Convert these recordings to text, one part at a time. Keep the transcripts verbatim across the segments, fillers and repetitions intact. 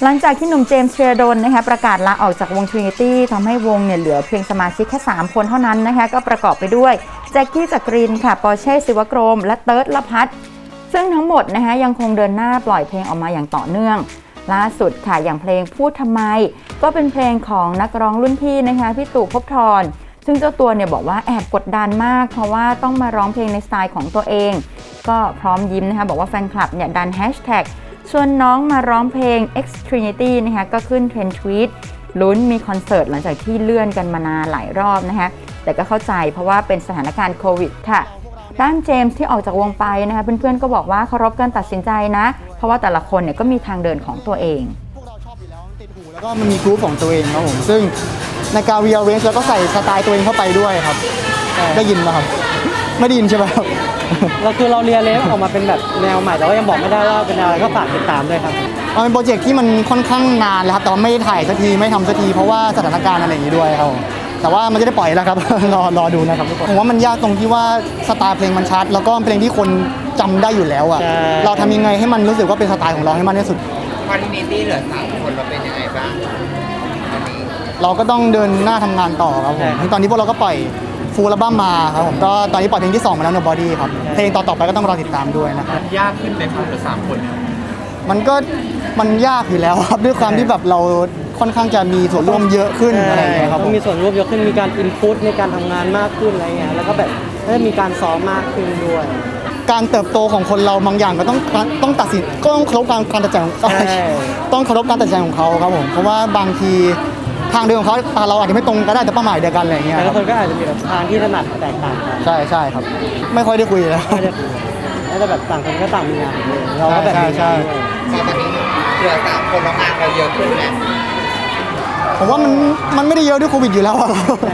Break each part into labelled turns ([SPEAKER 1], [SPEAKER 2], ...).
[SPEAKER 1] หลังจากที่หนุ่มเจมส์เทียโดนนะคะประกาศลาออกจากวง Trinity ทำให้วงเนี่ยเหลือเพียงสมาชิกแค่สามคนเท่านั้นนะคะก็ประกอบไปด้วยแจ็คกี้จักรินค่ะปอร์เช่ศิวกรมและเติร์ดละพัฒน์ซึ่งทั้งหมดนะคะยังคงเดินหน้าปล่อยเพลงออกมาอย่างต่อเนื่องล่าสุดค่ะอย่างเพลงพูดทำไมก็เป็นเพลงของนักร้องรุ่นพี่นะคะพี่ตู่ภพธรซึ่งเจ้าตัวเนี่ยบอกว่าแอบกดดันมากเพราะว่าต้องมาร้องเพลงในสไตล์ของตัวเองก็พร้อมยิ้มนะคะบอกว่าแฟนคลับเนี่ยดันแฮชแท็กชวนน้องมาร้องเพลง X Trinity นะคะก็ขึ้นเทรนด์ทวีตลุ้นมีคอนเสิร์ตหลังจากที่เลื่อนกันมานานหลายรอบนะคะแต่ก็เข้าใจเพราะว่าเป็นสถานการณ์โควิดค่ะด้านเจมส์ที่ออกจากวงไปนะคะเพื่อนๆก็บอกว่าเคารพการตัดสินใจนะเพราะว่าแต่ละคนเนี่ยก็มีทางเดินของตัวเอง
[SPEAKER 2] พวกเราชอบอยู่แล้วติดหูแล้วก็มันมีกรุ๊ปของตัวเองครับผมซึ่งในการ rearrange แล้วก็ใส่สไตล์ตัวเองเข้าไปด้วยครับได้ยินไหมครับไม่ได้ยินใช่ไหมครับ
[SPEAKER 3] เราคือเราเรียนเลยออกมาเป็นแบบแนวใหม่แต่ว่ายังบอกไม่ได้ว่าเป็นอะไรก็ฝากติดตามด้วยครับ
[SPEAKER 2] มันเป็นโปรเจกต์ที่มันค่อนข้างนานแล้วครับแต่ว่าไม่ถ่ายสักทีไม่ทำสักทีเพราะว่าสถานการณ์อะไรอย่างนี้ด้วยครับแต่ว่ามันจะได้ปล่อยแล้วครับ รอรอดูนะครับทุกคนผมว่ามันยากตรงที่ว่าสไตล์เพลงมันชัดแล้วก็เพลงที่คนจำได้อยู่แล้วอ่ะเราทำยังไงให้มันรู้สึกว่าเป็นสไตล์ของเราให้มากที่สุด
[SPEAKER 4] คอนดิเนตี้เหลือสามคนเราเป็นยังไงบ้างตอนนี้
[SPEAKER 2] เราก็ต้องเดินหน้าทำงานต่อครับผมตอนนี้พวกเราก็ปล่อยฟูลอัลบั้มมาครับผมก็ตอนนี้ปล่อยเพลงที่สองมาแล้ว Nobody ครับเพลงต่อๆไปก็ต้องรอติดตามด้วยนะครับ
[SPEAKER 4] ยากขึ้นไหมครับเหลือสามคนเนี่ย
[SPEAKER 2] มันก็มันยากอยู่แล้วครับด้วยความที่แบบเราค่อนข้างจะมีส่วนร่วมเยอะขึ้นอะไรอย่างเงี้ยครับ
[SPEAKER 3] ต้องมีส่วนร่วมเยอะขึ้นมีการอินพุตในการทำงานมากขึ้นอะไรเงี้ยแล้วก็แบบได้มีการซ้อมมากขึ้นด้วย
[SPEAKER 2] การเติบโตของคนเราบางอย่างก็ต้องต้องตัดสินก็ต้องเคารพการการตัดสินต้องเคารพการตัดสินของเขาครับผมเพราะว่าบางทีทางเดินของเขาเราอาจจะไม่ตรงก็ได้แต่เป้าหมายเดียวกันอะไรอย่างเงี้ย
[SPEAKER 3] แต่ละคนก็อาจจะมีแบบทางที่ถนัดแตกต่างกัน
[SPEAKER 2] ใช่ใช่ครับไม่ค่อยได้คุยแล้ว
[SPEAKER 3] แล้วแต่แบบต่างคนก็ต่างมีงานเราก็แบบ
[SPEAKER 2] ใช่ใช่
[SPEAKER 4] ตอนนี้เหลือสามคนแล้วงานเราเยอะขึ้นไหม
[SPEAKER 2] ผมว่ามันมันไม่ได้เยอะด้วยโควิดอยู่แล้ว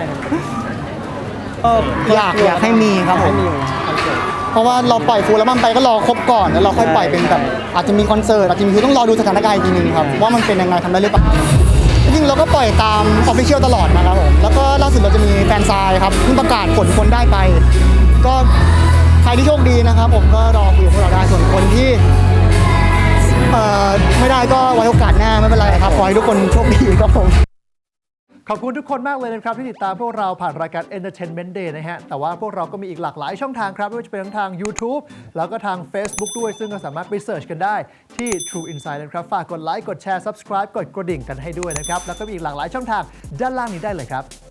[SPEAKER 2] อยากอยากให้มีครับผมเพราะว่าเราปล่อยฟูลแล้วมันไปก็รอครบก่อนแล้วเราค่อยปล่อยเป็นแบบอาจจะมีคอนเสิร์ตอาจจะมีคือต้องรอดูสถานการณ์อีกทีนึงครับว่ามันเป็นยังไงทำได้หรือเปล่าจริงๆเราก็ปล่อยตามออฟฟิเชียลตลอดนะครับผมแล้วก็ล่าสุดเราจะมีแฟนซายครับเพิ่งประกาศผลคนได้ไปก็ใครที่โชคดีนะครับผมก็รอคุยกับพวกเราได้ส่วนคนที่เอ่อไม่ได้ก็ไว้โอกาสหน้าไม่เป็นไรครับขอให้ทุกคนโชคดีครับผม
[SPEAKER 5] ขอบคุณทุกคนมากเลยนะครับที่ติดตามพวกเราผ่านรายการ Entertainment Day นะฮะแต่ว่าพวกเราก็มีอีกหลากหลายช่องทางครับไม่ว่าจะเป็นทั้งทาง YouTube แล้วก็ทาง Facebook ด้วยซึ่งก็สามารถไปเสิร์ชกันได้ที่ True Insight นะครับฝากกดไลค์กดแชร์ Subscribe กดกระดิ่งกันให้ด้วยนะครับแล้วก็มีอีกหลากหลายช่องทางด้านล่างนี้ได้เลยครับ